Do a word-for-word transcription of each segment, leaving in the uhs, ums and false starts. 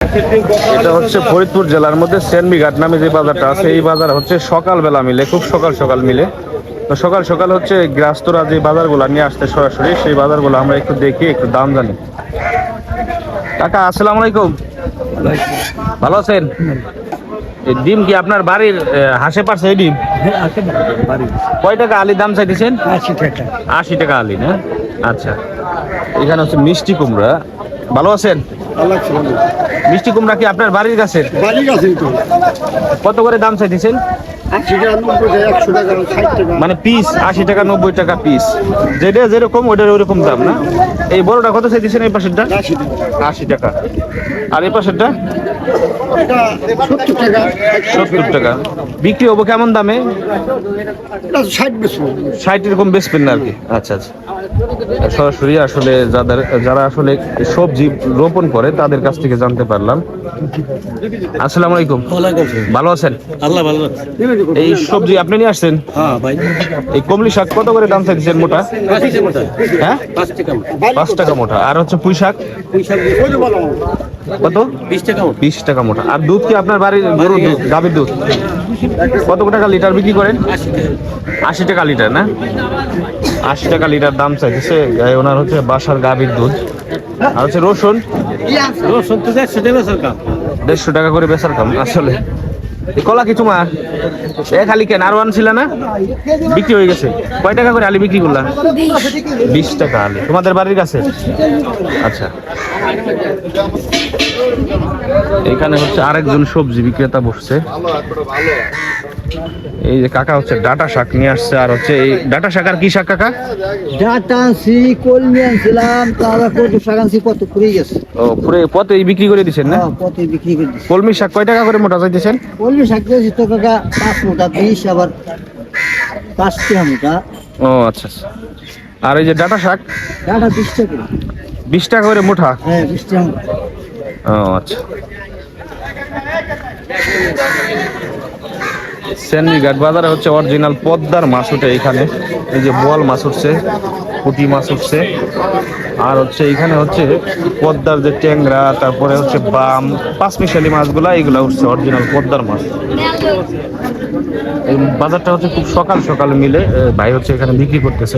এটা হচ্ছে ফরিদপুর জেলার মধ্যে সেনবিঘাট নামে যে বাজারটা আছে, এই বাজার হচ্ছে সকালবেলা মিলে, খুব সকাল সকাল মিলে। তো সকাল সকাল হচ্ছে গৃহস্থরা যে বাজারগুলো নিয়ে আসতে সরাসরি, সেই বাজারগুলো আমরা একটু দেখি, একটু দাম জানি। কাকা আসসালামু আলাইকুম, ভালো আছেন? এই ডিম কি আপনার বাড়ির হাসে পারছে? এই ডিম কয় টাকা আলি দাম চাইতেছেন? আশি টাকা। আশি টাকা আলি না? আচ্ছা, এখানে হচ্ছে মিষ্টি কুমড়া। ভালো আছেন? মিষ্টি কুমড়া কি আপনার বাড়ির কাছে? বাড়ির কাছে তো। কত করে দাম চাইতেছেন? মানে পিস আশি টাকা নব্বই টাকা পিস, যেটা যেরকম ওইটার ওইরকম দাম না? এই বড়টা কত চাইতেছেন? এই পাশেরটা আশি টাকা, আর এই পাশেরটা সত্তর টাকা। বিক্রি হবো কেমন দামে? ষাট এরকম বেচবেন না আর কি? আচ্ছা আচ্ছা, সরাসরি আসলে যাদের যারা আসলে সবজি রোপণ করে তাদের কাছ থেকে জানতে পারলাম। আসসালামু আলাইকুম, ভালো আছেন? আল্লাহ ভালো। এই সবজি আপনি নিয়ে আসছেন? হ্যাঁ ভাই। এই কমলি শাক কত করে দাম চাইছেন মোটা? হ্যাঁ, পাঁচ টাকা মোটা। আর হচ্ছে পুঁই শাক কত? বিশ টাকা বিশ টাকা মোটা। আর দুধ কি আপনার বাড়ির গরুর দুধ, গাভীর দুধ? কত টাকা লিটার বিক্রি করেন? আশি টাকা লিটার না? আশি টাকা লিটার দাম চাইছে ওনার হচ্ছে বাসার গাভীর দুধ। আর হচ্ছে রসুন, রসুন তো দেড়শো টাকা বেচার কাম। দেড়শো টাকা করে বেচার কাম আসলে। এই কলা কি তোমার? এক আলি কেন আরো আনছিল না? বিক্রি হয়ে গেছে। কয় টাকা করে আলি বিক্রি করলা? বিশ টাকা আলি। তোমাদের বাড়ির কাছে? আচ্ছা, এখানে হচ্ছে আরেকজন সবজি বিক্রেতা বসছে। এই যে কাকা হচ্ছে ডাটা শাক নিয়ে আসছে। আর হচ্ছে এই ডাটা শাক, আর কি শাক কাকা? ডাটা আনছি, কলমি আনছিলাম, তারপর কত শাক আনছি, কত ফুরে গেছে। ও পুরো পথে বিক্রি করে দিচ্ছেন না? পথে বিক্রি করে দিচ্ছি। কলমি শাক কয় টাকা করে মোটা চাইতেছেন? কলমি শাক দিয়েছি তো কাকা পাঁচ মোটা বিশ, আবার পাঁচ টাকা মোটা। ও আচ্ছা আচ্ছা। আর এই যে ডাটা শাক? ডাটা বিশ টাকা। বিশ টাকা করে মোটা? হ্যাঁ বিশ টাকা। ও আচ্ছা। সেনবিঘাট বাজারে হচ্ছে অরিজিনাল পদ্মার মাছ উঠে এখানে। এই যে বোয়াল মাছ উঠছে, পুঁটি মাছ উঠছে, আর হচ্ছে এখানে হচ্ছে পদ্মার যে ট্যাংরা, তারপরে হচ্ছে বাম, পাঁচমিশালি মাছগুলা, এইগুলা উঠছে অরিজিনাল পদ্মার মাছ। এই বাজারটা হচ্ছে খুব সকাল সকাল মিলে, ভাই হচ্ছে এখানে বিক্রি করতেছে।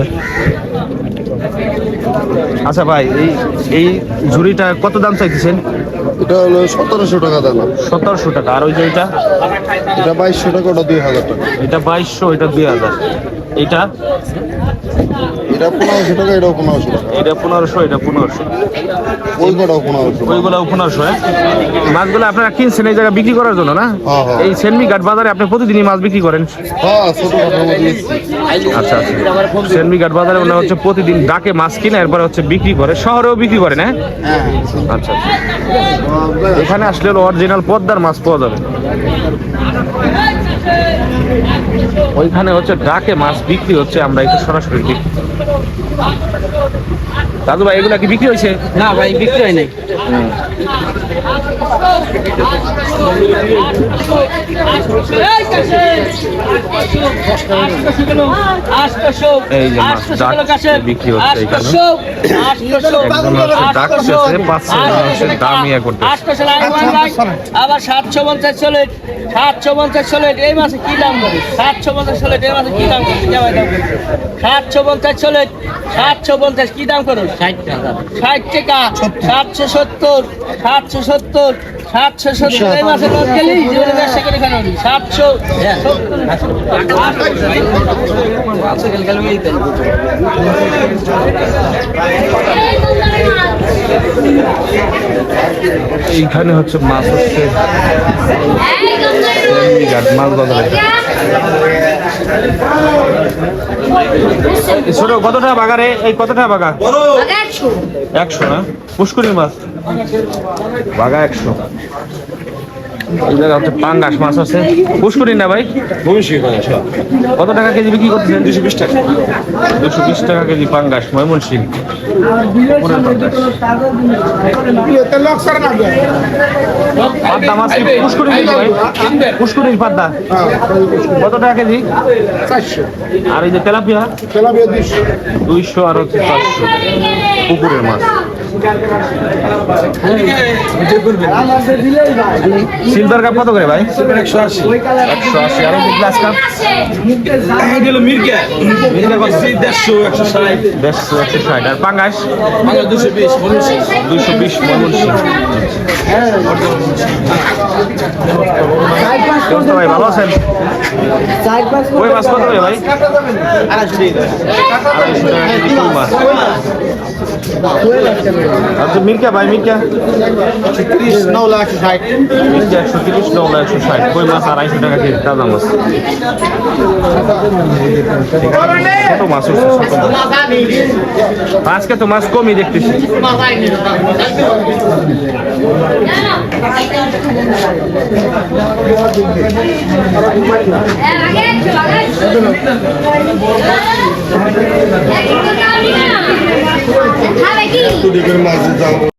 আচ্ছা ভাই, এই এই ঝুড়িটা কত দাম চাইতেছেন? এটা হলো সতেরোশো টাকা দাম। সতেরোশো টাকা। আর ওই যে এটা? এটা বাইশশো টাকা, ওটা দুই হাজার টাকা। এটা বাইশশো, এটা দুই হাজার। এটা এটা পনেরোশো টাকা, এটাও পনেরোশো টাকা। এটা পনেরোশো, এটা পনেরোশো। ওই কটাও পনেরোশো। ওইগুলাও পনেরোশো। হ্যাঁ, মাছগুলো আপনারা কিনছেন এই জায়গায় বিক্রি করার জন্য না? হ্যাঁ, হ্যাঁ। এই সেনবিঘাট বাজারে আপনি প্রতিদিনই মাছ বিক্রি করেন? হ্যাঁ, ছোটখাটোর মধ্যে বেচছি। আচ্ছা আচ্ছা। সেনবিঘাট বাজারে ওনারা হচ্ছে প্রতিদিন ডাকে মাছ কিনে এরপরে হচ্ছে বিক্রি করে, শহরেও বিক্রি করেন? হ্যাঁ, আচ্ছা আচ্ছা। এখানে আসলে অরিজিনাল পদ্মার মাছ পাওয়া যাবে। ওইখানে হচ্ছে ডাকে মাছ বিক্রি হচ্ছে, আমরা একটু সরাসরি দেখি। দাদু ভাই, এগুলা কি বিক্রি হয়েছে? না ভাই, বিক্রি হয় নাই। এই যে মাছ ডাক বিক্রি হচ্ছে এখানে। একজন হচ্ছে ডাকতেছে, পাচ্ছে হচ্ছে দাম ইয়া করতেছে। আবার সাতশো পঞ্চাশ চলে, সাতশো পঞ্চাশ চলে। এই মাসে কি দাম করে? সাতশো পঞ্চাশ চলে। এই মাসে কি দাম করে? সাতশো পঞ্চাশ চলে, সাতশো পঞ্চাশ কি দাম করো? ষাট টাকা। ষাট টাকা। সাতশো সত্তর, সাতশো সত্তর, সাতশো সত্তর। এই মাসে লোক গেলি জীবনে ব্যবসা করে কেন? সাতশো এইখানে হচ্ছে মাছ হচ্ছে মাছ বাজারে। ছোট কত টাকা বাগারে? এই কত টাকা বাগা? একশো না? পুষ্করি মাছ বাগা একশো। এই জায়গা হচ্ছে পাঙ্গাস মাছ আছে। পুষ্করি না ভাই? কত টাকা কেজি বিক্রি করতেছেন? দুশো বিশ টাকা। দুশো বিশ টাকা কেজি পাঙ্গাস, ময়মনসিংহ। পাদ্দা মাছ কি পুষ্করি কেজি ভাই? পুষ্করির পাদ্দা কত টাকা কেজি? চারশো। আর এই যে তেলাপিয়া? তেলাপিয়া দুইশো। দুইশো আর হচ্ছে চারশো। পুকুরের মাছ। সিলভার কাপ কত করে ভাই? একশো আশি। একশো আশি। আর গ্লাস কাপ দেড়শো একশো ষাট। আর পাঙ্গাস দুশো বিশ ময়মনসিংহ। ভাই ভালো আছেন? কই মাছ কত করে ভাই? আড়াইশো টাকা কেজি কই মাছ। আচ্ছা মির্কা ভাই, মির্কা তিরিশ নৌ লাখ ষাট। মির্কা একশো তিরিশ, নৌলা একশো ষাট। কই মাছ আড়াইশো টাকা কেজি তাজা মাছ। ছোট মাছ উঠছে, ছোট মাছ। আজকে তো মাছ কমই দেখতেছি। খাবে কি? মাছ